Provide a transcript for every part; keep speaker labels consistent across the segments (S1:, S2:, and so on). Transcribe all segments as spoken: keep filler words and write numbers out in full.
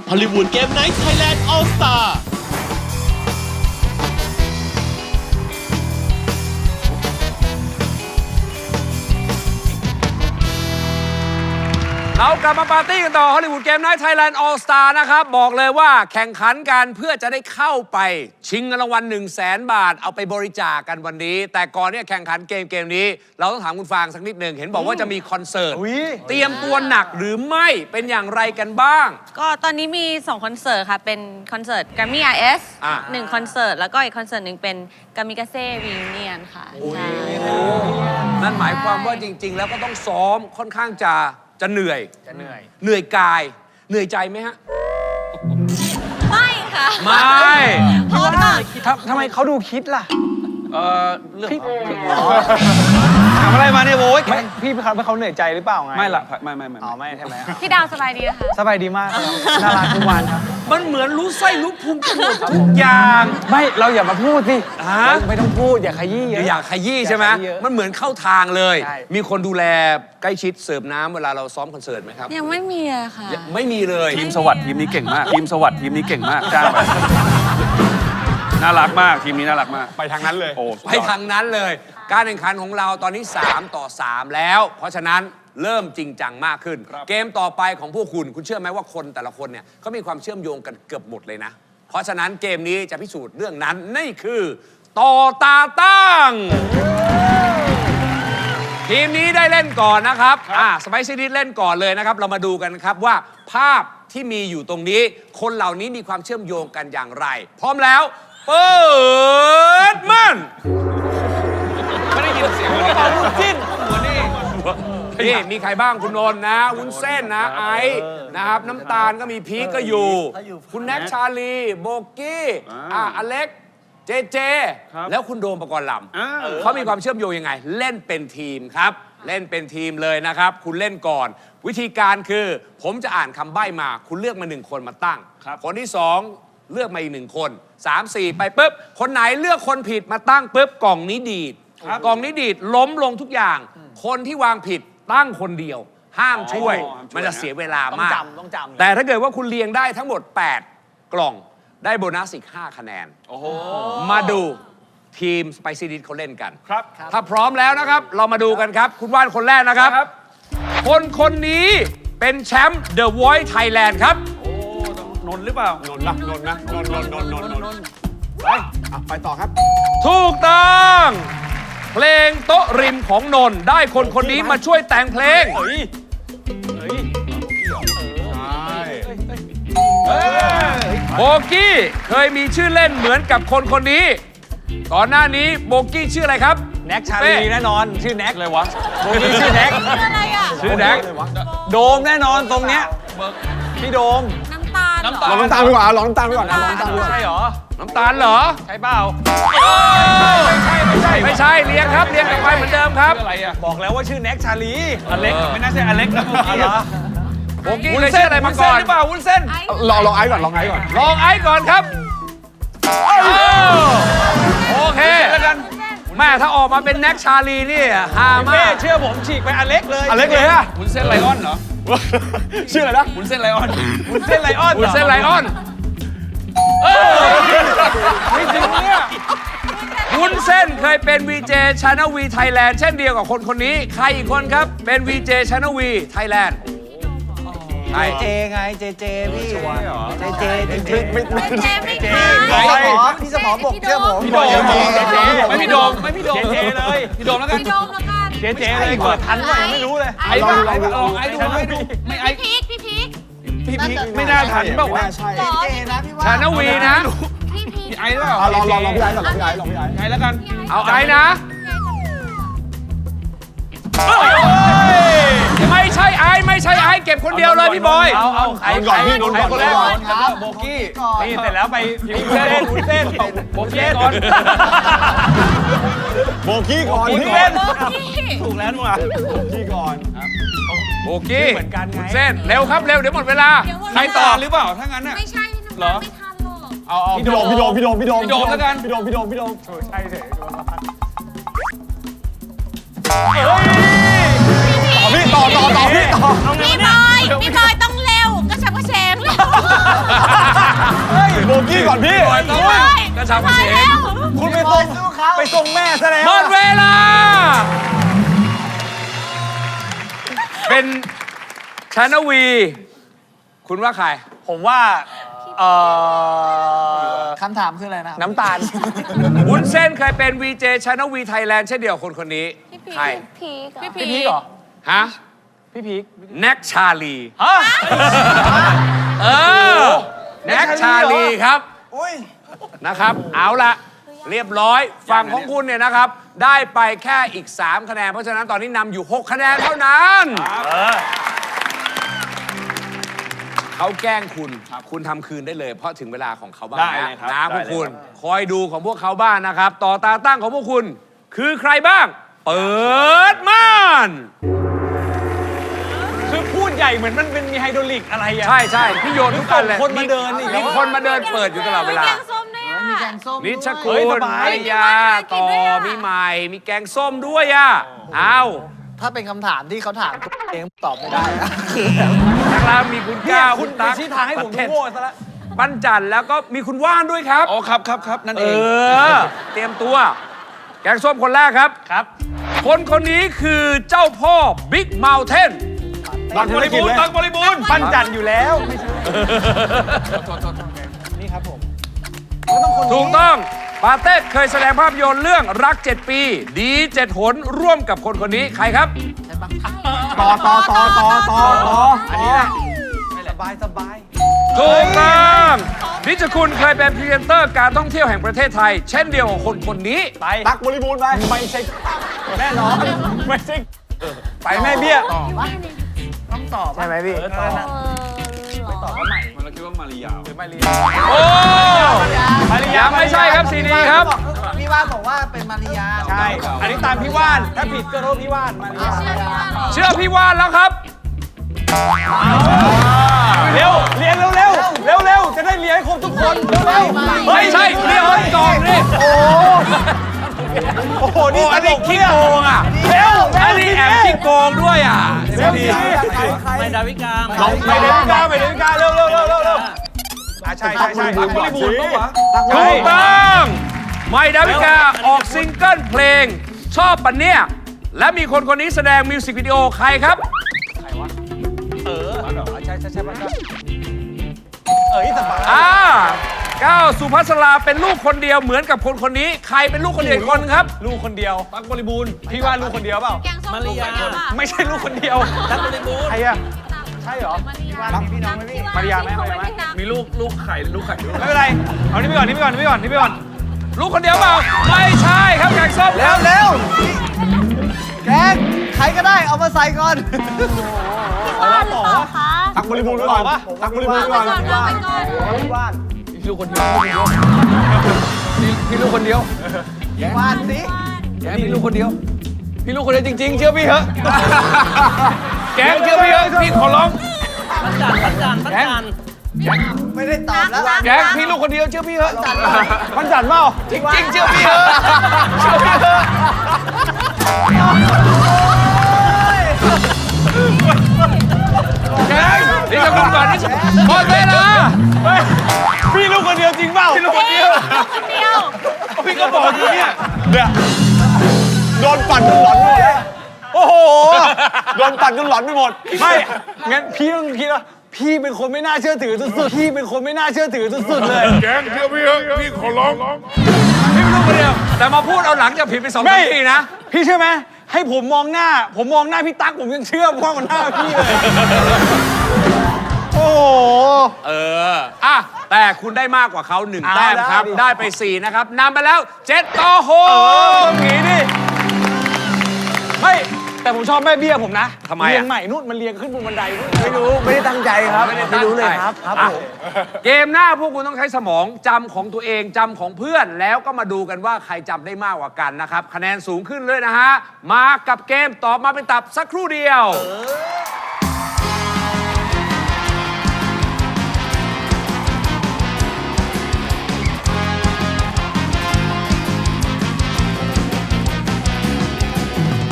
S1: ฮอลลีวูดเกมไนท์ไทยแลนด์ออลสตาร์
S2: เรากลับมาปาร์ตี้กันต่อฮอลลีวูดเกมไนท์ไทยแลนด์ออลสตาร์นะครับบอกเลยว่าแข่งขันกันเพื่อจะได้เข้าไปชิงเงินรางวัล1 0 0 0 0 0 บาทเอาไปบริจาค กันวันนี้แต่ก่อนเนี่ยแข่งขันเกมเกมนี้เราต้องถามคุณฟางสักนิดหนึ่งเห็นบอกว่าจะมีคอนเสิร์ตเตรียมตัวหนักหรือไม่เป็นอย่างไรกันบ้าง
S3: ก็ตอนนี้มีสองคอนเสิร์ตค่ะเป็นคอนเสิร์ต Grammy อาร์ เอส
S2: อ่ะ
S3: หนึ่งคอนเสิร์ตแล้วก็อีกคอนเสิร์ตหนึ่งเป็น Kamikaze Reunion ค่ะใช่
S2: นั่นหมายความว่าจริง ๆ แล้วก็ต้องซ้อมค่อนข้างจะจะเหนื่อยจะเหนื่อยเหนื่อยกายเหนื่อยใจไหมฮะ
S3: ไม่ค่ะ
S2: ไม่
S3: เพราะว่า
S4: ทำไมเขาดูคิดล่ะ
S2: เออเรื่อง
S4: ถามอะไรมาเนี่ยโว้ยพี่เขาเขาเหนื่อยใจหรือเปล่าไง
S2: ไม่ละไม่ไม่ไม่
S4: อ๋อไม่ใช่ไหม
S3: พี่ดาวสบายดีนะคะ
S4: สบายดีมากน่ารักทุกวันครับ
S2: มันเหมือนรู้ไส้รู้พุงกันหมดทุกอย่าง
S4: ไม่เราอย่ามาพูดสิไม่ต้องพูดอย่าขยี้
S2: อยากขยี้ใช่ไหมมันเหมือนเข้าทางเลยมีคนดูแลใกล้ชิดเสิร์ฟน้ำเวลาเราซ้อมคอนเสิร์ตไหมครับ
S3: ยังไม่มีอะค่ะ
S2: ไม่มีเลย
S5: ทีมสวัสดิ์ทีมนี้เก่งมากทีมสวัสดิ์ทีมนี้เก่งมากจ้างไปน่ารักมากทีมนี้น่ารักมาก
S4: ไปทางนั้นเลย
S5: โอ้
S2: ไปทางนั้นเลยการแข่งขันของเราตอนนี้สามต่อสามแล้วเพราะฉะนั้นเริ่มจริงจังมากขึ้นเกมต่อไปของพวกคุณคุณเชื่อไหมว่าคนแต่ละคนเนี่ยเขามีความเชื่อมโยงกันเกือบหมดเลยนะเพราะฉะนั้นเกมนี้จะพิสูจน์เรื่องนั้นนี่คือต่อตาตั้งทีมนี้ได้เล่นก่อนนะครับอ่าสไปซี่ดิสเล่นก่อนเลยนะครับเรามาดูกันครับว่าภาพที่มีอยู่ตรงนี้คนเหล่านี้มีความเชื่อมโยงกันอย่างไรพร้อมแล้วเปิดมันไม่ได้ยินเสียงเป่าวุ้นจิ้นหัวนี่นี่มีใครบ้างคุณนนท์นะวุ้นเส้นนะไอซ์นะครับน้ำตาลก็มีพีคก็อยู่คุณแน็กชาลีโบกี้อ่ะอเล็กเจเจแล้วคุณโดมปกรณ์ลำเขามีความเชื่อมโยงยังไงเล่นเป็นทีมครับเล่นเป็นทีมเลยนะครับคุณเล่นก่อนวิธีการคือผมจะอ่านคำใบ้มาคุณเลือกมาหนึ่งคนมาตั้งคนที่สองเลือกมาอีกหนึ่งคนสามสี่ไปปุ๊บคนไหนเลือกคนผิดมาตั้งปุ๊บกล่องนี้ดีดกล่องนี้ดีดล้มลงทุกอย่างคนที่วางผิดตั้งคนเดียวห้ามช่วยมันจะเสียเวลามากแต่ถ้าเกิดว่าคุณเรียงได้ทั้งหมดแปดกล่องได้โบนัสอีกห้าคะแนนมาดูทีมสไปซี่ดิสเขาเล่นกันครับถ้าพร้อมแล้วนะครับเรามาดูกันครับคุณว่านคนแรกนะครับคนคนนี้เป็นแชมป์ The Voice Thailand ครับ
S5: นนหรือเปล่าน
S4: นท์นะนนท์นะนนท์นนท์นนท์นนท์นนท์ไปไปต่อครับ
S2: ถูกต้องเพลงโต๊ะริมของนนท์ได้คนคนนี้มาช่วยแต่งเพลง
S4: เฮ้ยเฮ้ย
S2: โบกี้เคยมีชื่อเล่นเหมือนกับคนคนนี้ก่อนหน้านี้โบกี้ชื่ออะไรครับ
S4: แน็กชาลีแน่นอนชื่อแน็ก
S5: อะไรวะ
S4: โบกี้ชื่อแน็ก
S3: ชื่ออะไรอ่ะ
S2: ชื่อแน็ก
S4: โดมแน่นอนตรงเนี้ยพี่โดม
S3: น้ำตาลน้ำตาล
S4: ลองน้ำตาลดีกว่าลองน้ำตาลดีกว่าลองน้ำตาลดีกว่า
S2: ใช่เหรอน้ำตาลเหรอ
S4: ใช่เปล่า
S2: ไม่ใช่ไม่ใช่ไม่ใช่เรียงครับเรียงกลับไปเหมือนเดิมครับ
S5: อะไรอ่ะ
S4: บอกแล้วว่าชื่อแน็กชาลี
S5: อเล็กไม่น่าใช่อเล็กนะเมื่อกี้
S2: โบกี้เคยชื่ออะไรมาก่อน
S5: หรือเปล่าวุ้นเส้น
S4: ลองลองไอซ์ก่อนลองไอซ์ก่อน
S2: ลองไอซ์ก่อนครับโอเคแล้วกันแม่ถ้าออกมาเป็นแน็กชาลีนี่ฮามาก
S4: เชื่อผมฉีกไปอเล็กเลย
S2: อเล็กเลยฮะ
S5: วุ้นเส้นไลออนเหรอ
S4: ชื่ออะไรนะ
S5: วุ้นเส้นไลออน
S4: วุ้นเส้นไลออน
S2: วุ้นเส้นไลออนไม่จริงเนี่ยวุ้นเส้นเคยเป็น วี เจ Channel V Thailand เช่นเดียวกับคนคนนี้ใครอีกคนครับเป็น วี เจ Channel V Thailand
S4: เจเจไงเจเจพี่เจเจจริงๆ
S3: ไม่ไม่เจไม่เจ
S4: พี่สมอบอกเชื่อผม
S5: พี่โดมไม่พี่โดมไม่พี่โดม
S4: เจเจเลย
S5: พี่โดมแล้วกัน
S3: พี่โดมแล้วกัน
S4: เจเจเลยเปิดทันไหมไม่รู้เลย
S5: ไอ้บ้าไอ้บ้าลองไอ้ดูไอ้ดูไม่ไอ้
S3: พี่พีคพี่พีค
S5: พี่พีคไม่น่าทันเปล่าวะ
S4: ใช่เจเจนะพี่ว่า
S2: Channel V นะ
S3: พี่พีค
S5: ไอ้หรือเปล่า
S4: ลองลองลองพี่ไอ้ก่อนลองพี่ไอ้ลองพี่ไอ้
S5: ไอ้แล้วกัน
S2: เอาไอ้นะไม่ใช่ไอ้ไม่ใช่ไอ้เก็บคนเดียวเลยพี่บอย
S4: เอาเอาไอ้ก่อนพี่นนท์ก่อนคนแรกก่อน
S5: โบกี้
S4: นี่เสร็จแล้วไปพิมพ์เส้นพิมพ์เส้น
S5: โบกี้ก่อน
S4: โบกี้ก่อนพี่เล่นถูกแล้วมั้งโบกี้ก่อน
S2: โบกี้เหมือนกันไงเส้นเร็วครับเร็วเดี๋ยวหมดเวลา
S5: ใครต่อหรือเปล่าถ้างั้นน่ะ
S3: ไม่ใช่
S5: เหรอ
S3: ไม่ทันหรอก
S5: เอาเอา
S4: พี่โดมพี่โดมพี่โดมพี่โดม
S5: พี่โดมแล้วกัน
S4: พี่โดมพี่โดมพี่โดมใช่เลยต่อพี่ต่อต่อต่อพี่ต่อ
S3: พี่บอยพี่บอยต้องเร็วก็ชักกระเชงแล้ว
S6: โบกี้ก่อนพี่
S2: บอยต้องไปกระชับกระเฉง
S6: คุณไปส่งไปส่งแม่ซะแล้ว
S2: หมดเวลา เป็นชานวี คุณว่าใคร
S6: ผมว่าเอ่อ
S4: คำถามคืออะไรนะ
S6: น้ำตาล
S2: วุ้นเส้นเคยเป็น วี เจ ชานวีไทยแลนด์เช่นเดียวกับคนคนนี้ ใคร
S3: พีก
S6: พี่พีคเหรอ
S2: ฮะ
S6: พี่พีค
S2: แน็กชาลี
S6: ฮะ
S2: เออ แน็กชาลีครับ
S4: อุ้ย
S2: นะครับ เอาละเรียบร้อย ฝั่งของคุณเนี่ยนะครับ ได้ไปแค่อีก สาม คะแนน เพราะฉะนั้นตอนนี้นำอยู่ หก คะแนนเท่านั้น เขาแกล้งคุณ คุณทำคืนได้เลย เพราะถึงเวลาของเขาบ้าง
S6: ได้
S2: นะ
S6: เลยครับ
S2: นะพวก
S6: ได้เลย
S2: คุณ
S6: ครับ
S2: คอยดูของพวกเขาบ้างนะครับ ต่อตาตั้งของพวกคุณ คือใครบ้าง เปิดม่าน
S6: คือพูดใหญ่เหมือนมันเป็นมีไฮดรอลิกอะไรอะ
S2: ใช่ใช่พี่โยนทุกอันเลย
S6: คนมาเดินอีก
S2: มีคนมาเดินเปิดอยู่ตลอดเวลา
S3: แกงส้มด้วยอ่ะ
S4: มีแกงส้ม
S2: นิช
S4: ด้
S2: คุ
S4: วย
S2: ณ
S6: สบาย
S2: ภรรยาต่อมีใหม่ มีแกงส้มด้วยอ่ะเอา
S4: ถ้าเป็นคำถามที่เขาถามตัวเองตอบไม่ได้นะ
S2: ทางเรามีคุณ
S6: เนี่ย
S2: ก้าว
S6: คุณ
S2: ตั๊ก
S6: ชี้ทางให้ผมดูโง่ซะแล้ว
S2: ปั้นจันแล้วก็มีคุณว่านด้วยครับ
S5: อ๋อครับครับครับนั่น
S2: เอ
S5: เอง
S2: อ เตรียมตัว แกงส้มคนแรกครับ
S6: ครับ
S2: คนคนนี้คือเจ้าพ่อบิ๊กเมลเทน
S6: ตักบริบูรณ์ตักบริบูรณ์ปั้นจันอยู่แล้วไม่ใช่นี่ครับผม
S2: ถูกต้องปาเต้เคยแสดงภาพยนตร์เรื่องรัก เจ็ด ปี ดีเจ็ดหนร่วมกับคนคนนี้ใครครับ
S4: ต่อต่อต่อต่อต่อต่อ
S6: อันนี้แหละ
S4: สบายสบาย
S2: ถูกต้องนิชคุณเคยเป็นพรีเซนเตอร์การท่องเที่ยวแห่งประเทศไทย เช่นเดียวกับคนคนนี้
S6: ไปตักบริบูรณ์ไปไม่ใช่แน่นอนไม่ใช่ไปแม่เบี้ย
S4: ต้องตอบ
S6: ใช่ไหมพี่
S3: เออเหรอ
S5: เราคิดว่ามาริยา
S2: โอ้
S6: มาริยา
S2: ยังไม่ใช่ครับซีดีครับ
S4: พี่ว่านบอกว่าเป็นมาริยา
S6: ใช่ อันนี้ตามพี่ว่าน ถ้าผิดก็โทษพี่ว่านมาริยา
S2: เชื่อพี่ว่านแล้วครับ
S6: เร็วเรียนเร็วเร็วเร็วเร็วจะได้เรียนให้ครบทุกคนเร็วเร็ว
S2: ไม่ใช่เรียกคนก่อนนี่
S6: โอ้โอ้โห
S2: โอ้
S6: นี่
S2: อันนี้ขี้โกงอ่ะ
S6: เร็ว
S2: อันนี้แอบขี้โกงด้วยอ่ะ
S6: เร็ว
S2: ดี
S6: สิ
S7: ไม่ดาวิกา
S6: ไม่เดวิกาไม่เดวิกาเร็วเร็วเร็วเร็วเร็วอ่ะใช่ใช่ใช่ตักบริบูรณ์ปะวะ
S2: ถูกต้องไม่ดาวิกาออกซิงเกิลเพลง ชอบปันเนี่ย และมีคนคนนี้แสดงมิวสิกวิดีโอใครครับ
S6: ใช่ใช่ใช่ปะเอ้ยสบาย
S2: อ่าก้าวสุภัสราเป็นลูกคนเดียวเหมือนกับคนคนนี้ ใครเป็นลูกคนเดียวอีกคนครับ
S6: ลูกคนเดียวตักบริบูรณ์พี่ว่าลูกคนเดียวเปล่า
S3: แกงส้ม
S7: มาริยา
S3: ลูกอะ
S6: ไม่ใช่ลูกคนเดียว
S7: ตักบริบูรณ์
S6: ใครอะใช่เหรอ
S3: มาริยา
S6: รักพี่น้องไหมพี่มาริยาไหมมาริยาไหม
S5: มีลูกลูกไข่ลูกไข่ด้วย
S6: ไม่เป็นไร เอานี่ไปก่อนนี่ไปก่อนนี่ไปก่อนนี่ไปก่อน
S2: ลูกคนเดียวเปล่า ไม่ใช่ครับแกงส้มค
S4: เร็
S2: รั
S4: ว
S2: บ
S4: เร็วแกงใครก็ได้เอามาใส่ก่อน
S3: พี่ว่านหรือเปล่าคะ
S6: ตักบริบูรณ์ไปก่อนปะตักบริบูรณ์ไปก่อน
S3: เอาไปก่อนเอาไปก่อน
S6: พี่ลูกคนเดียวพี่ลูกคนเดียว
S4: ว่านสิ
S6: แกพี่ลูกคนเดียว พี่ลูกคนเดียวจริง ๆ เชื่อพี่เหอะ
S2: แกงเชื่อพี่เอ้ยพี่ขอร้อง
S7: ปันจันปันจันปันจัน
S4: ไม่ได้ตอบแล้ว
S6: แกพี่ลูกคนเดียวเชื่อพี่เหอะมันจัดเปล่าจริงๆเชื่อพี่เหอะเชื่อพี่เหอะ
S2: แกงนี่จะคุณก่อนนี่จะหมดเวลา
S6: พี่ลูกคนเดียวจริงเปล่าพี่ลูกคนเดียว
S3: คนเดียว
S6: พี่ก็บอกอยู่เนี่ยเนี่ยโดนปั่นจนหลอนไปหมดเลยโอ้โหโดนปั่นจนหลอนไปหมดไม่งั้นพี่ต้องคิดว่าพี่เป็นคนไม่น่าเชื่อถือสุดๆพี่เป็นคนไม่น่าเชื่อถือสุดๆเลย
S2: พี่เป็นลูกคนเดียว แต่มาพูดเอาหลังจากผิดไปสอง
S6: ไม่
S2: ทีนะ
S6: พี่เชื่อไหมให้ผมมองหน้า ผมมองหน้าพี่ตั๊กผมยังเชื่อมากกว่าหน้าพี่เลยโอ้โห
S2: เออ อ่ะ แต่คุณได้มากกว่าเขาหนึ่ง
S6: เอา
S2: แต้มครับ
S6: ได้ดิ
S2: ได้ไปสี่นะครับนำไปแล้วเจ็ดต่อห
S6: เออก งี้ดิไม่แต่ผมชอบแม่เบี้ยผมนะ
S2: ทำไมอะ
S6: เรียงใหม่นู่นมันเรียงขึ้นบนบันไดนู่น
S4: ไม่รู้ไม่ได้ตั้งใจครับ
S2: ไม่ได้
S4: ไม่รู้เลย
S2: ตั้งใจ
S4: ครับครับ
S2: อ่ะ
S4: ผม
S2: เกมหน้าพวกคุณต้องใช้สมองจำของตัวเองจำของเพื่อนแล้วก็มาดูกันว่าใครจำได้มากกว่ากันนะครับ คะแนนสูงขึ้นเลยนะฮะ มากับเกมตอบมาเป็นตับสักครู่เดียว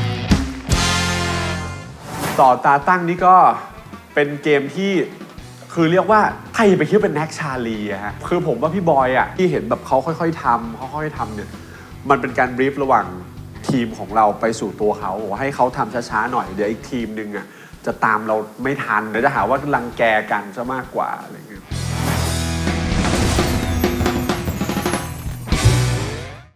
S8: ต่อตาตั้งนี่ก็เป็นเกมที่คือเรียกว่าใครไปคิดว่าเป็นแน็กชาลีอะฮะคือผมว่าพี่บอยอะที่เห็นแบบเขาค่อยๆทำเขาค่อยๆทำเนี่ยมันเป็นการบรีฟระหว่างทีมของเราไปสู่ตัวเขาบอกว่าให้เขาทำช้าๆหน่อยเดี๋ยวอีกทีมนึงอะจะตามเราไม่ทันเดี๋ยวจะหาว่ารังแกกันซะมากกว่าอะไรเงี้ย